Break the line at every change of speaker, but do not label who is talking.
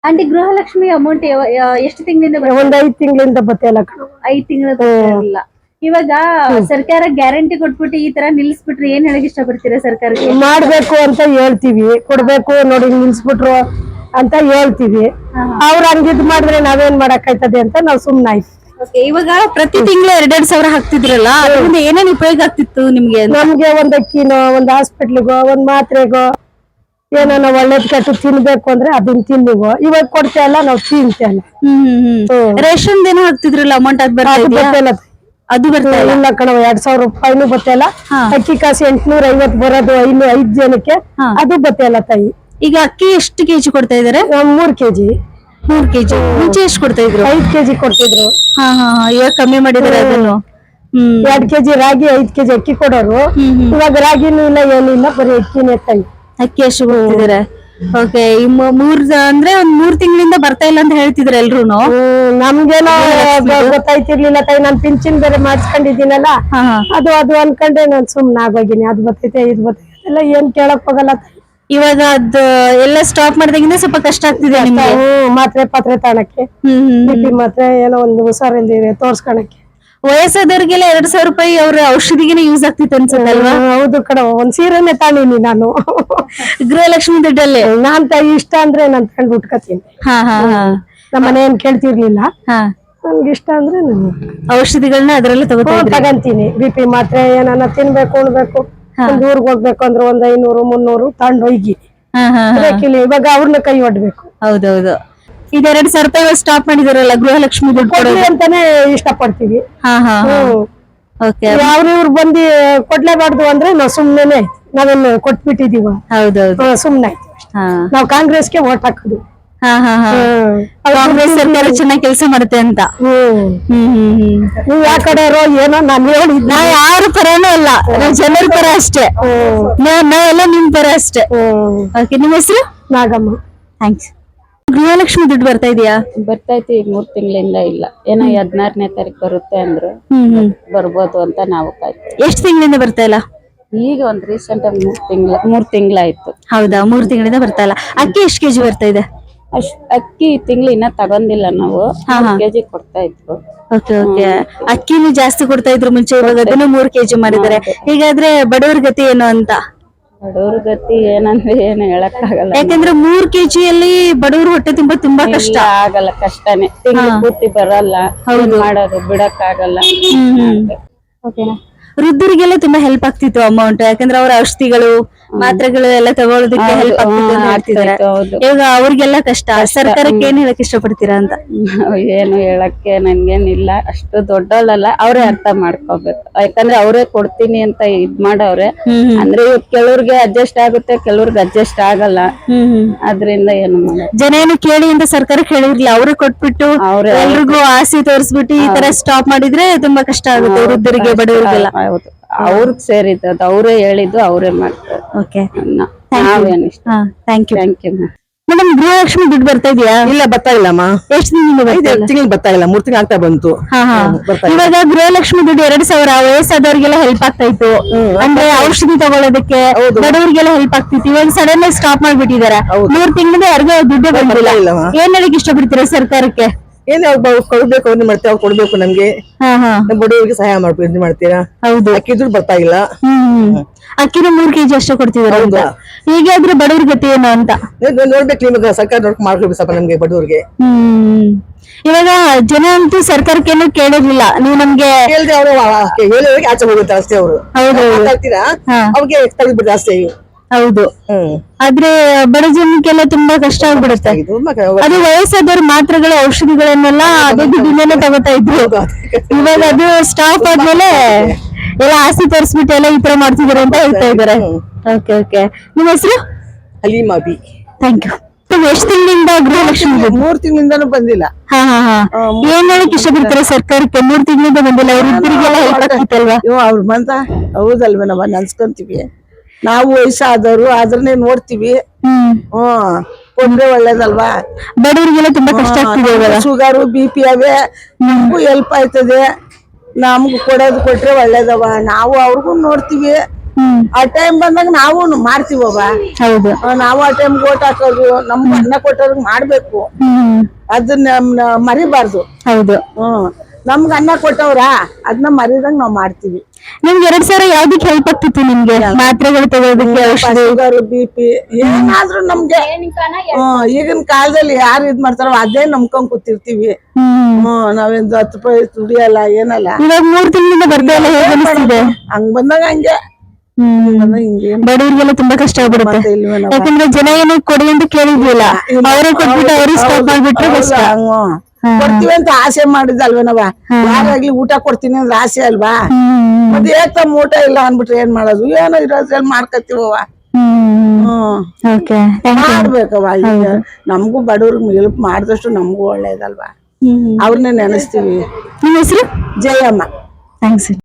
Aunty Gruhalakshmi amount ಎಷ್ಟು ತಿಂಗಳಿಂದ
ಒಂದ್ 5 ತಿಂಗಳಿಂದ ಬತ್ತಿಲ್ಲ
5 ತಿಂಗಳ ಇವಾಗ ಸರ್ಕಾರ ಗ್ಯಾರಂಟಿ ಕೊಟ್ಬಿಟ್ಟು ಈ ತರ ನಿಲ್ಸ್ಬಿಟ್ರೆ ಏನ್ ಹೇಳಕ್ ಇಷ್ಟಪಡ್ತೀರಾ ಸರ್ಕಾರಕ್ಕೆ?
ಮಾಡ್ಬೇಕು ಅಂತ ಹೇಳ್ತೀವಿ, ಕೊಡ್ಬೇಕು ನೋಡಿ ನಿಲ್ಸ್ಬಿಟ್ರು ಅಂತ ಹೇಳ್ತೀವಿ. ಅವ್ರ ಹಂಗಿದ್ ಮಾಡಿದ್ರೆ ನಾವೇನ್ ಮಾಡಕ್ ಆಯ್ತದೆ ಅಂತ ನಾವ್ ಸುಮ್ನಾಯ್ತು.
ಇವಾಗ ಪ್ರತಿ ತಿಂಗಳು 2,000 ಹಾಕ್ತಿದ್ರಲ್ಲ, ಅದರಿಂದ ಏನೇನ್ ಉಪಯೋಗ ಆಗ್ತಿತ್ತು ನಿಮ್ಗೆ?
ನಮ್ಗೆ ಒಂದ್ ಅಕ್ಕಿನೋ, ಒಂದ್ ಹಾಸ್ಪಿಟ್ಲಿಗೋ, ಒಂದ್ ಮಾತ್ರೆಗೋ, ಏನೋ ಒಳ್ಳೇದ್ ಕೆಟ್ಟು ತಿನ್ಬೇಕು ಅಂದ್ರೆ ಅದನ್ನ ತಿನ್ನಿಗೋ. ಇವಾಗ ಕೊಡ್ತಾ ಇಲ್ಲ, ನಾವ್ ತಿಂತಲ್ಲ.
ರೇಷನ್ ಏನೋ ಹಾಕ್ತಿದ್ರಲ್ಲ ಅಮೌಂಟ್, ಅದ್
ಬರ್ತಿಲ್ಲ.
ಅದು ಬರ್ತಾ
ಇಲ್ಲ ಕಣವ, 2,000 ರೂಪಾಯಿನೂ ಬತ್ತಿಲ್ಲ. ಅಕ್ಕಿ ಕಾಸು 850 ಬರೋದು 5 ಜನಕ್ಕೆ, ಅದು ಬತ್ತಿಲ್ಲ ತಾಯಿ.
ಈಗ ಅಕ್ಕಿ ಎಷ್ಟು ಕೆಜಿ ಕೊಡ್ತಾ ಇದಾರೆ?
3 ಕೆಜಿ.
3 ಕೆಜಿ. ಮುಂಚೆ ಎಷ್ಟು ಕೊಡ್ತಾ ಇದ್ರು?
5 ಕೆಜಿ ಕೊಡ್ತಿದ್ರು.
ಇವಾಗ ಕಮ್ಮಿ ಮಾಡಿದಾರೆ ಅದನ್ನು.
2 ಕೆಜಿ ರಾಗಿ, 5 ಕೆಜಿ ಅಕ್ಕಿ ಕೊಡೋರು. ಇವಾಗ ರಾಗಿನೂ ಇಲ್ಲ, ಏನಿಲ್ಲ, ಬರೀ ಅಕ್ಕಿನೇ ತಾಯಿ.
ಅಕ್ಕಿ ಅಷ್ಟು ಕೊಡ್ತಿದಾರೆ. ಓಕೆ. ಅಂದ್ರೆ ಒಂದ್ 3 ತಿಂಗಳಿಂದ ಬರ್ತಾ ಇಲ್ಲ ಅಂತ ಹೇಳ್ತಿದ್ರು ಎಲ್ರುನು.
ನಮ್ಗೇನೋ ಗೊತ್ತಾಯ್ತಿರ್ಲಿಲ್ಲ ತಾಯಿ. ನಾನ್ ಪಿಂಚಿನ್ ಬೇರೆ ಮಾಡ್ಸ್ಕೊಂಡಿದ್ದೀನಲ್ಲ, ಅದು ಅನ್ಕೊಂಡೆ ನಾನ್ ಸುಮ್ನ ಆಗೋಗಿನಿ. ಅದು ಬರ್ತೈತೆ, ಇದು ಬರ್ತೈತೆ ಎಲ್ಲ ಏನ್ ಕೇಳಕ್ ಹೋಗಲ್ಲ ತಾಯಿ.
ಇವಾಗ ಅದ್ ಎಲ್ಲ ಸ್ಟಾಪ್ ಮಾಡಿದಾಗಿಂದ ಸ್ವಲ್ಪ ಕಷ್ಟ ಆಗ್ತಿದೆ ನಿಮ್ಗೆ?
ಮಾತ್ರೆ ಪಾತ್ರೆ ತಾಣಕ್ಕೆ, BP ಮಾತ್ರೆ, ಏನೋ ಒಂದು ಹುಷಾರಿಲ್ದಿದೆ ತೋರ್ಸ್ಕೊಳಕ್ಕೆ.
ವಯಸ್ಸಾದವ್ರಿಗೆಲ್ಲ 2,000 ರೂಪಾಯಿ ಅವ್ರ ಔಷಧಿಗೆನೆ ಯೂಸ್ ಆಗ್ತಿತ್ತು ಅನ್ಸುತ್ತಲ್ವಾ?
ಹೌದು ಕಣ, ಒಂದ್ ಸೀರೆನೆ ತಾಣೀನಿ ನಾನು
ಗೃಹಲಕ್ಷ್ಮಿ ದುಡ್ಡಲ್ಲಿ.
ನಾನ್ ತಾಯಿ ಇಷ್ಟ ಅಂದ್ರೆ ನಾನ್ ತಗೊಂಡು ಉಟ್ಕೋತೀನಿ. ನಮ್ಮ ಮನೆ ಏನ್ ಕೇಳ್ತಿರ್ಲಿಲ್ಲ. ನನ್ಗೆ ಇಷ್ಟ ಅಂದ್ರೆ ನಾನು
ಔಷಧಿಗಳನ್ನ ಅದ್ರಲ್ಲಿ
ತಗಂತೀನಿ. BP ಮಾತ್ರೆ ಏನಾನ ತಿನ್ಬೇಕು, ಉಣ್ಬೇಕು, ಒಂದ್ ಊರ್ಗ್ ಹೋಗ್ಬೇಕು ಅಂದ್ರೆ ಒಂದ್ 500 300 ತಗೊಂಡು ಹೋಗಿ. ಇವಾಗ ಅವ್ರನ್ನ ಕೈ ಒಡ್ಬೇಕು.
ಹೌದೌದು. ಈಗ 2,000 ರೂಪಾಯಿ ಸ್ಟಾಪ್ ಮಾಡಿದಾರಲ್ಲ ಗೃಹಲಕ್ಷ್ಮಿ ದುಡ್ಡು
ಕೊಡ್ಲಿ ಅಂತಾನೆ ಇಷ್ಟಪಡ್ತೀವಿ. ಅವ್ರಿವ್ರು ಬಂದು ಕೊಡ್ಲೇಬಾರ್ದು ಅಂದ್ರೆ ನಾವ್ ಸುಮ್ನೆ ನಾವೇನು ಕೊಟ್ಬಿಟ್ಟಿದೀವ.
ಹೌದೌದು,
ಸುಮ್ನೆ ನಾವ್ ಕಾಂಗ್ರೆಸ್ಗೆ ವೋಟ್ ಹಾಕುದು.
ಕಾಂಗ್ರೆಸ್ ಸರ್ಕಾರ ಚೆನ್ನಾಗಿ ಕೆಲಸ ಮಾಡುತ್ತೆ ಅಂತ.
ನೀವ್ ಯಾವ ಕಡೆಯವರು ಏನೋ ನಾನು ಹೇಳಿದ್,
ನಾವ್ ಯಾರ ಪರನೂ ಅಲ್ಲ, ನಾವ್ ಜನರ ಪರ ಅಷ್ಟೇ. ನಾವೆಲ್ಲ ನಿಮ್ ಪರ ಅಷ್ಟೇ. ಓಕೆ, ನಿಮ್ಮ ಹೆಸರು?
ನಾಗಮ್ಮ.
ಥ್ಯಾಂಕ್ಸ್. ಗೃಹಲಕ್ಷ್ಮಿ ದುಡ್ಡು ಬರ್ತಾ ಇದೆಯಾ?
ಬರ್ತೈತಿ. 3 ತಿಂಗಳಿಂದ ಇಲ್ಲ, ಏನೋ 16ನೇ ತಾರೀಕು ಬರುತ್ತೆ ಅಂದ್ರು. ಬರ್ಬೋದು ಅಂತ ನಾವು ಕಾಯ್ತೀವಿ.
ಎಷ್ಟು ತಿಂಗಳಿಂದ ಬರ್ತಾ ಇಲ್ಲ?
ಈಗ ಒಂದ್ ರೀಸೆಂಟ್ ಆಗಿ 3 ತಿಂಗಳಾಯ್ತು.
ಹೌದಾ, 3 ತಿಂಗಳಿಂದ ಬರ್ತಾ ಇಲ್ಲ. ಅಕ್ಕಿ ಎಷ್ಟು ಕೆಜಿ ಬರ್ತಾ ಇದೆ?
ಅಕ್ಕಿ ತಿಂಗಳು ಇನ್ನ ತಗೊಂಡಿಲ್ಲ ನಾವು. 3 ಕೆಜಿ ಕೊಡ್ತಾ ಇದ್ರು.
Okay okay. ಅಕ್ಕಿನೂ ಜಾಸ್ತಿ ಕೊಡ್ತಾ ಇದ್ರು ಮುಂಚೆ, ಇವಾಗ ಅದನ್ನು 3 ಕೆಜಿ ಮಾಡಿದ್ದಾರೆ. ಹೀಗಾದ್ರೆ ಬಡವ್ರ ಗತಿ ಏನು ಅಂತ?
ಬಡವ್ರ ಗತಿ ಏನಂದ್ರೆ ಏನು ಹೇಳಕ್ ಆಗಲ್ಲ.
ಯಾಕಂದ್ರೆ 3 ಕೆಜಿಯಲ್ಲಿ ಬಡವ್ರ ಹೊಟ್ಟೆ ತುಂಬಾ ಕಷ್ಟ
ಆಗಲ್ಲ. ಕಷ್ಟನೇ, ತಿಂಗಳು ಪೂರ್ತಿ ಬರಲ್ಲ. ಮಾಡೋದು ಬಿಡಕ್ ಆಗಲ್ಲ.
ವೃದ್ಧರಿಗೆಲ್ಲ ತುಂಬಾ ಹೆಲ್ಪ್ ಆಗ್ತಿತ್ತು ಅಮೌಂಟ್, ಯಾಕಂದ್ರೆ ಅವ್ರ ಔಷಧಿಗಳು ಮಾತ್ರೆಗಳು ಎಲ್ಲ ತಗೊಳ್ಳೋದಕ್ಕೆ ಹೆಲ್ಪ್ ಆಗ್ತಿತ್ತು ಅಂತ ಹೇಳ್ತಿದ್ದಾರೆ. ಇವಾಗ ಅವ್ರಿಗೆಲ್ಲ ಕಷ್ಟ. ಸರ್ಕಾರಕ್ಕೆ ಏನ್ ಹೇಳಕ್ ಇಷ್ಟಪಡ್ತೀರಾ ಅಂತ?
ಏನು ಹೇಳಕ್ಕೆ ನನ್ಗೇನಿಲ್ಲ, ಅಷ್ಟು ದೊಡ್ಡವಳಲ್ಲ. ಅವ್ರೇ ಅರ್ಥ ಮಾಡ್ಕೋಬೇಕು. ಯಾಕಂದ್ರೆ ಅವ್ರೇ ಕೊಡ್ತೀನಿ ಅಂತ ಇದ್ ಮಾಡವ್ರೆ. ಅಂದ್ರೆ ಕೆಲವ್ರಿಗೆ ಅಡ್ಜಸ್ಟ್ ಆಗುತ್ತೆ, ಕೆಲವ್ರಿಗೆ ಅಡ್ಜಸ್ಟ್ ಆಗಲ್ಲ. ಅದ್ರಿಂದ ಏನು ಮಾಡ,
ಜನ ಏನು ಕೇಳಿ ಅಂತ ಸರ್ಕಾರಕ್ಕೆ ಹೇಳಿರ್ಲಿಲ್ಲ, ಅವ್ರೇ ಕೊಟ್ಬಿಟ್ಟು ಎಲ್ರಿಗೂ ಆಸೆ ತೋರಿಸ್ಬಿಟ್ಟು ಈ ತರ ಸ್ಟಾಪ್ ಮಾಡಿದ್ರೆ ತುಂಬಾ ಕಷ್ಟ ಆಗುತ್ತೆ ವೃದ್ಧರಿಗೆ, ಬಡವರಿಗೆಲ್ಲ.
ಹೌದು, ಅವ್ರಿಗೆ ಸೇರಿದ್ದು, ಅವ್ರೇ ಹೇಳಿದ್ದು, ಅವ್ರೇ ಮಾಡ್ತಾರೆ.
Okay,
thank you.
Madam, Gruhalakshmi ದುಡ್ಡು ಬರ್ತಾ ಇದೆಯಾ?
ಇಲ್ಲ, ಬರ್ತಾ ಇಲ್ಲಮ್ಮ.
ಎಷ್ಟು ತಿಂಗಳು
ಬರ್ತಾ ಇಲ್ಲ? 3 ತಿಂಗಳು ಆಗ್ತಾ ಬಂತು.
ಇವಾಗ ಗೃಹಲಕ್ಷ್ಮಿ ದುಡ್ಡು 2,000 ವಯಸ್ಸಾದವ್ರಿಗೆಲ್ಲ ಹೆಲ್ಪ್ ಆಗ್ತಾ ಇತ್ತು, ಅಂದ್ರೆ ಔಷಧಿ ತಗೊಳ್ಳೋದಕ್ಕೆ ಬಡವರಿಗೆಲ್ಲ ಹೆಲ್ಪ್ ಆಗ್ತಿತ್ತು. ಇವಾಗ ಸಡನ್ ಆಗಿ ಸ್ಟಾಪ್ ಮಾಡ್ಬಿಟ್ಟಿದ್ದಾರೆ. 3 ತಿಂಗಳಿಂದ ಯಾರಿಗೂ ದುಡ್ಡು ಬಂದಿಲ್ಲ. ಏನ್ ಹೇಳಕ್ ಇಷ್ಟಪಡ್ತೀರಾ ಸರ್ಕಾರಕ್ಕೆ?
ಏನ್ ಕೊಡ್ಬೇಕು, ಅವ್ರು ಮಾಡ್ತೀವಿ, ಅವ್ರು ಕೊಡ್ಬೇಕು ನಮ್ಗೆ. ಬಡವರಿಗೆ ಸಹಾಯ ಮಾಡ್ತೀರಾ? ಹೌದು. ಅಕ್ಕಿ ದುಡ್ಡು ಬರ್ತಾ ಇಲ್ಲ.
ಅಕ್ಕಿನ 3 ಕೆಜಿ ಅಷ್ಟೇ ಕೊಡ್ತಿದ್ದಾರೆ. ಹೀಗಾದ್ರೆ ಬಡವ್ರ ಗತಿ ಏನು ಅಂತ
ನೋಡ್ಬೇಕು. ನಿಮ್ಗೆ ಸರ್ಕಾರ ನೋಡ್ಕೊಂಡು ಮಾಡ್ಕೊಡ್ಬೇಕು ಸ್ವಲ್ಪ ನಮ್ಗೆ ಬಡವರಿಗೆ.
ಇವಾಗ ಜನ ಅಂತೂ ಸರ್ಕಾರಕ್ಕೇನು ಕೇಳೋದಿಲ್ಲ. ನೀವು ನಮ್ಗೆ
ಕೇಳಿದ್ರೆ ಅವರು ಹೇಳೋರಿಗೆ ಆಚೆ ಹೋಗುತ್ತೆ ಅಷ್ಟೇ. ಅವರು ಅವ್ರಿಗೆ ತಗ್ಬಿಡ್ತಾರೆ ಅಷ್ಟೇ.
ಹೌದು, ಆದ್ರೆ ಬಡ ಜನಕ್ಕೆಲ್ಲ ತುಂಬಾ ಕಷ್ಟ ಆಗ್ಬಿಡುತ್ತೆ. ಅದು ವಯಸ್ಸಾದವ್ರ ಮಾತ್ರೆಗಳು ಔಷಧಿಗಳನ್ನೆಲ್ಲ ಅದೇ ದುಡ್ಡಿಂದನೇ ತಗೋತಾ ಇದ್ರು. ಇವಾಗ ಅದು ಸ್ಟಾಪ್ ಆದ್ಮೇಲೆ ಎಲ್ಲ ಆಸೆ ತೋರಿಸ್ಬಿಟ್ಟು ಎಲ್ಲ ಈ ತರ ಮಾಡ್ತಿದಾರೆ ಅಂತ ಹೇಳ್ತಾ ಇದಾರೆ. Okay okay. ನಿಮ್ಮ ಹೆಸರು?
ಹಲೀಮಾ ಬಿ.
Thank you. ಎಷ್ಟು ತಿಂಗಳಿಂದ ಗೃಹಲಕ್ಷ್ಮಿ?
3 ತಿಂಗಳಿಂದನೂ ಬಂದಿಲ್ಲ.
ಏನ್ ಹೇಳಕ್ ಇಷ್ಟಪಡ್ತಾರೆ ಸರ್ಕಾರಕ್ಕೆ? 3 ತಿಂಗಳಿಂದ ಬಂದಿಲ್ಲ. ವೃದ್ಧರಿಗೆಲ್ಲ ಹೆಲ್ಪ್ ಆಗ್ತಿತ್ತಲ್ವಾ?
ಅವ್ರು ಬಂತ ಹೌದಲ್ವ, ನಾವ್ ಅನ್ಸ್ಕೊಂತೀವಿ. ನಾವು ವಯಸ್ಸಾದವರು ಅದ್ರನ್ನೇ ನೋಡ್ತೀವಿ. ಕೊಟ್ರೆ ಒಳ್ಳೇದಲ್ವಾ?
ಬಡವರಿಗೆಲ್ಲ ತುಂಬಾ ಕಷ್ಟ ಆಗ್ತಿದೆ.
ಶುಗರು BP ಅವೇ, ನಮಗೂ ಹೆಲ್ಪ್ ಆಯ್ತದೆ. ನಮ್ಗೂ ಕೊಡೋದು ಕೊಟ್ರೆ ಒಳ್ಳೇದವ. ನಾವು ಅವ್ರಿಗೂ ನೋಡ್ತೀವಿ,
ಆ ಟೈಮ್ ಬಂದಾಗ ನಾವು ಮಾಡ್ತೀವವ.
ಹೌದು.
ನಾವು ಆ ಟೈಮ್ ಓಟ್ ಹಾಕೋದು, ನಮ್ಗೆ ಅನ್ನ ಕೊಟ್ಟವ್ರಿಗೆ ಮಾಡ್ಬೇಕು, ಅದನ್ನ ಮರಿಬಾರ್ದು.
ಹೌದು.
ನಮ್ಗ ಅನ್ನ ಕೊಟ್ಟವ್ರ ಅದನ್ನ ಮರಿದಂಗ್ ನಾವ್ ಮಾಡ್ತೀವಿ.
ನಿಮ್ಗೆ 2000 ಯಾವ್ದಕ್ಕೆ ಹೆಲ್ಪ್ ಆಗ್ತಿತ್ತು ನಿಮ್ಗೆ? ಮಾತ್ರೆಗಳು ತಗೊಳ್ಳೋದಕ್ಕೆ,
ಶುಗರ್, BP ಏನಾದ್ರೂ ನಮ್ಗೆ ಈಗಿನ ಕಾಲದಲ್ಲಿ ಯಾರು ಇದ್ ಮಾಡ್ತಾರೋ ಅದೇ ನಂಬ್ಕೊಂಡ್ ಕೂತಿರ್ತೀವಿ. ನಾವೇನ್ 10 ರೂಪಾಯಿ ದುಡಿಯಲ್ಲ ಏನಲ್ಲ.
ಇವಾಗ 3 ತಿಂಗಳಿಂದ ಬರ್ತಾ ಇಲ್ಲ, ಹೇಗೆ ಅನಿಸ್ತಿದೆ?
ಹಂಗ್ ಬಂದಾಗ ಹಂಗೆ
ಬಡವರಿಗೆಲ್ಲ ತುಂಬಾ ಕಷ್ಟ ಆಗ್ಬಿಡುತ್ತೆ. ಯಾಕಂದ್ರೆ ಜನ ಏನು ಕೊಡಿ ಅಂತ ಕೇಳಿದ್ವಿಲ್ಲ, ಅವರೇ ಕೊಟ್ಬಿಟ್ಟು ಅವ್ರಿಗೆ ಸ್ಟಾಪ್ ಮಾಡ್ಬಿಟ್ರೆ ಕಷ್ಟ.
ಕೊಡ್ತೀವಿ ಅಂತ ಆಸೆ ಮಾಡಿದಲ್ವೇನವ, ಯಾರಾಗ್ಲಿ ಊಟ ಕೊಡ್ತೀನಿ ಅಂದ್ರೆ ಆಸೆ ಅಲ್ವಾ. ಮತ್ತೆ ಏಕಮ್ಮ ಊಟ ಇಲ್ಲ ಅನ್ಬಿಟ್ರೆ ಏನ್ ಮಾಡೋದು? ಏನೋ ಇರೋದ್ರಲ್ಲಿ ಮಾಡ್ಕತ್ತೀವವ. ಮಾಡ್ಬೇಕವ. ಈಗ ನಮಗೂ ಬಡವ್ರಿಗೆ ಹೆಲ್ಪ್ ಮಾಡಿದಷ್ಟು ನಮಗೂ ಒಳ್ಳೇದಲ್ವಾ. ಅವ್ರನ್ನೇ ನೆನೆಸ್ತೀವಿ.
ನಿಮ್ಮ ಹೆಸರು?
ಜಯಮ್ಮ.
ಥ್ಯಾಂಕ್ಸ್.